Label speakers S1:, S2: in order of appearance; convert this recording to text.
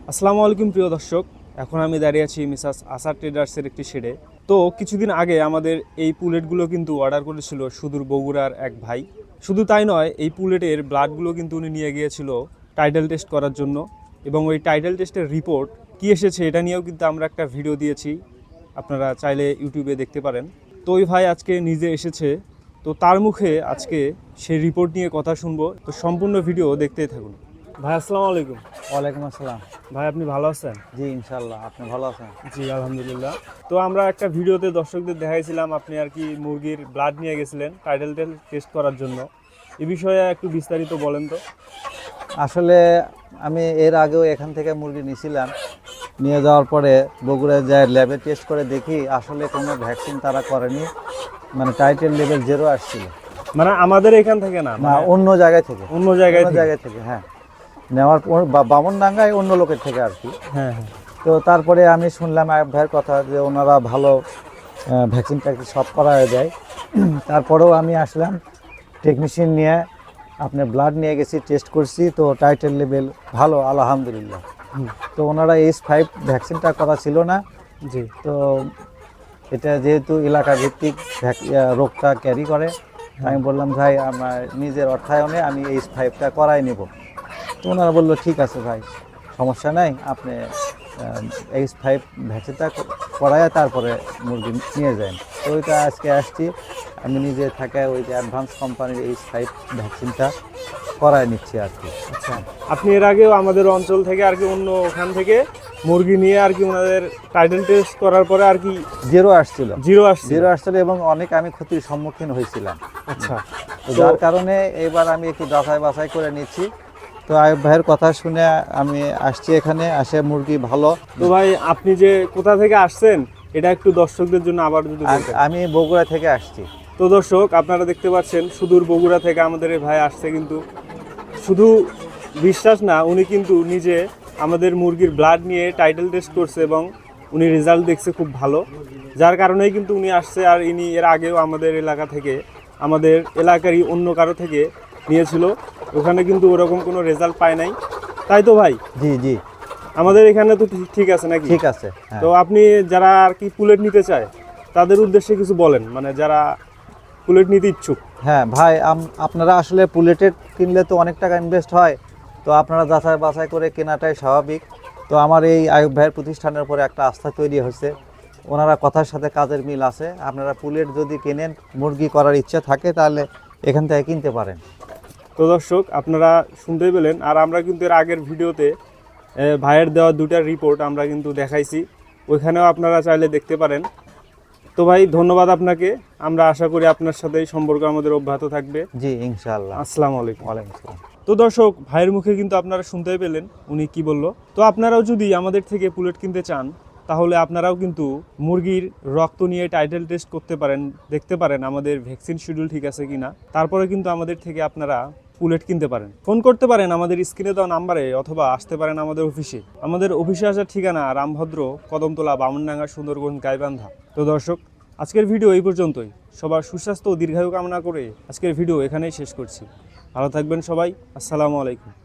S1: আসসালামু আলাইকুম প্রিয় দর্শক, এখন আমি দাঁড়িয়ে আছি মিসাস আসার ট্রেডার্সের একটি শেডে। তো কিছুদিন আগে আমাদের এই পুলেটগুলো কিন্তু অর্ডার করেছিল সুদূর বগুড়ার এক ভাই। শুধু তাই নয়, এই পুলেটের ব্লাডগুলো কিন্তু উনি নিয়ে গিয়েছিল টাইটেল টেস্ট করার জন্য, এবং ওই টাইটেল টেস্টের রিপোর্ট কি এসেছে এটা নিয়েও কিন্তু আমরা একটা ভিডিও দিয়েছি, আপনারা চাইলে ইউটিউবে দেখতে পারেন। তো ওই ভাই আজকে নিজে এসেছে, তো তার মুখে আজকে সেই রিপোর্ট নিয়ে কথা শুনবো। তো সম্পূর্ণ ভিডিও দেখতেই থাকুন। ভাই আসসালামু আলাইকুম।
S2: ওয়ালাইকুম আসসালাম।
S1: ভাই আপনি ভালো আছেন?
S2: জি ইনশাল্লাহ, আপনি ভালো আছেন?
S1: জি আলহামদুলিল্লাহ। তো আমরা একটা ভিডিওতে দর্শকদের দেখাইছিলাম আপনি আর কি মুরগির ব্লাড নিয়ে গেছিলেন টাইটেল টেস্ট করার জন্য। এই বিষয়ে একটু বিস্তারিত বলেন তো।
S2: আসলে আমি এর আগেও এখান থেকে মুরগি নিয়েছিলাম, নিয়ে যাওয়ার পরে বগুড়ায় যায় ল্যাবে টেস্ট করে দেখি আসলে কোনো ভ্যাকসিন তারা করেনি, মানে টাইটেল লেভেল 0 আসছিল।
S1: মানে আমাদের এখান থেকে না,
S2: না, অন্য জায়গায় থেকে।
S1: অন্য জায়গায়
S2: থেকে হ্যাঁ, নেওয়ার পর বামনডাঙ্গায় অন্য লোকের থেকে আর কি।
S1: হ্যাঁ হ্যাঁ।
S2: তো তারপরে আমি শুনলাম আয়ব ভাইয়ের কথা যে ওনারা ভালো ভ্যাকসিন ট্যাকসিন সব করা যায়। তারপরেও আমি আসলাম টেকনিশিয়ান নিয়ে, আপনি ব্লাড নিয়ে গেছি, টেস্ট করছি, তো টাইটেল লেভেল ভালো আলহামদুলিল্লাহ। তো ওনারা H5 ভ্যাকসিনটা করা ছিল না।
S1: জি।
S2: তো এটা যেহেতু এলাকা ভিত্তিক রোগটা ক্যারি করে, আমি বললাম ভাই আমার নিজের অর্থায়নে আমি H5টা করাই নেব। তো ওনারা বললো ঠিক আছে ভাই, সমস্যা নাই, আপনি H5 ভ্যাকসিনটা করায় তারপরে মুরগি নিয়ে যান। তো ওইটা আজকে আসছি, আমি নিজে থাকা ওই যে অ্যাডভান্স কোম্পানির H5 ভ্যাকসিনটা করায় নিচ্ছি আর কি।
S1: আচ্ছা, আপনি এর আগেও আমাদের অঞ্চল থেকে আর কি অন্য ওখান থেকে মুরগি নিয়ে আর কি ওনাদের টাইটেল টেস্ট করার পরে আর কি
S2: 0 আসছিল।
S1: 0 আসছিল
S2: এবং অনেক আমি ক্ষতির সম্মুখীন হয়েছিলাম।
S1: আচ্ছা,
S2: তো যার কারণে এবার আমি একটু যাচাই বাছাই করে নিচ্ছি। তো আয়ব ভাইয়ের কথা শুনে আমি আসছি এখানে, আসে মুরগি ভালো।
S1: তো ভাই আপনি যে কোথা থেকে আসছেন এটা একটু দর্শকদের জন্য আবার যদি বলতেন।
S2: আমি বগুড়া থেকে আসছি।
S1: তো দর্শক আপনারা দেখতে পাচ্ছেন সুদূর বগুড়া থেকে আমাদের এই ভাই আসছে, কিন্তু শুধু বিশ্বাস না, উনি কিন্তু নিজে আমাদের মুরগির ব্লাড নিয়ে টাইটেল টেস্ট করছে এবং উনি রেজাল্ট দেখছে খুব ভালো, যার কারণেই কিন্তু উনি আসছে। আর ইনি এর আগেও আমাদের এলাকা থেকে, আমাদের এলাকারই অন্য কারো থেকে নিয়েছিল, ওখানে কিন্তু ওরকম কোনো রেজাল্ট পায় নাই, তাই তো ভাই?
S2: জি জি,
S1: আমাদের এখানে তো ঠিক আছে নাকি?
S2: ঠিক আছে।
S1: তো আপনি যারা আর কি পুলেট নিতে চায় তাদের উদ্দেশ্যে কিছু বলেন, মানে যারা পুলেট নিতে ইচ্ছুক।
S2: হ্যাঁ ভাই, আপনারা আসলে পুলেটেড কিনলে তো অনেক টাকা ইনভেস্ট হয়, তো আপনারা যাচাই বাছাই করে কেনাটাই স্বাভাবিক। তো আমার এই আয়ব ভাইয়ের প্রতিষ্ঠানের উপরে একটা আস্থা তৈরি হয়েছে, ওনারা কথার সাথে কাজের মিল আছে। আপনারা পুলেট যদি কেনেন, মুরগি করার ইচ্ছা থাকে, তাহলে এখান থেকে কিনতে পারেন।
S1: তো দর্শক আপনারা শুনতেই পেলেন, আর আমরা কিন্তু এর আগের ভিডিওতে ভাইয়ের দেওয়া 2টা রিপোর্ট আমরা কিন্তু দেখাইছি, ওইখানেও আপনারা চাইলে দেখতে পারেন। তো ভাই ধন্যবাদ আপনাকে, আমরা আশা করি আপনার সাথে সম্পর্ক আমাদের অব্যাহত থাকবে।
S2: জি ইনশাআল্লাহ।
S1: আসসালামু আলাইকুম।
S2: ওয়ালাইকুম আসসালাম।
S1: তো দর্শক ভাইয়ের মুখে কিন্তু আপনারা শুনতেই পেলেন উনি কি বলল। তো আপনারাও যদি আমাদের থেকে পুলেট কিনতে চান তাহলে আপনারাও কিন্তু মুরগির রক্ত নিয়ে টাইটেল টেস্ট করতে পারেন, দেখতে পারেন আমাদের ভ্যাকসিন শিডিউল ঠিক আছে কিনা, তারপরে কিন্তু আমাদের থেকে আপনারা পুলেট কিনতে পারেন। ফোন করতে পারেন আমাদের স্ক্রিনে দেওয়া নাম্বারে, অথবা আসতে পারেন আমাদের অফিসে। আমাদের অফিসে আসার ঠিকানা রামভদ্র, কদমতলা, বামনডাঙ্গা, সুন্দরগঞ্জ, গাইবান্ধা। তো দর্শক আজকের ভিডিও এই পর্যন্তই। সবার সুস্বাস্থ্য ও দীর্ঘায়ু কামনা করে আজকের ভিডিও এখানেই শেষ করছি। ভালো থাকবেন সবাই। আসসালামু আলাইকুম।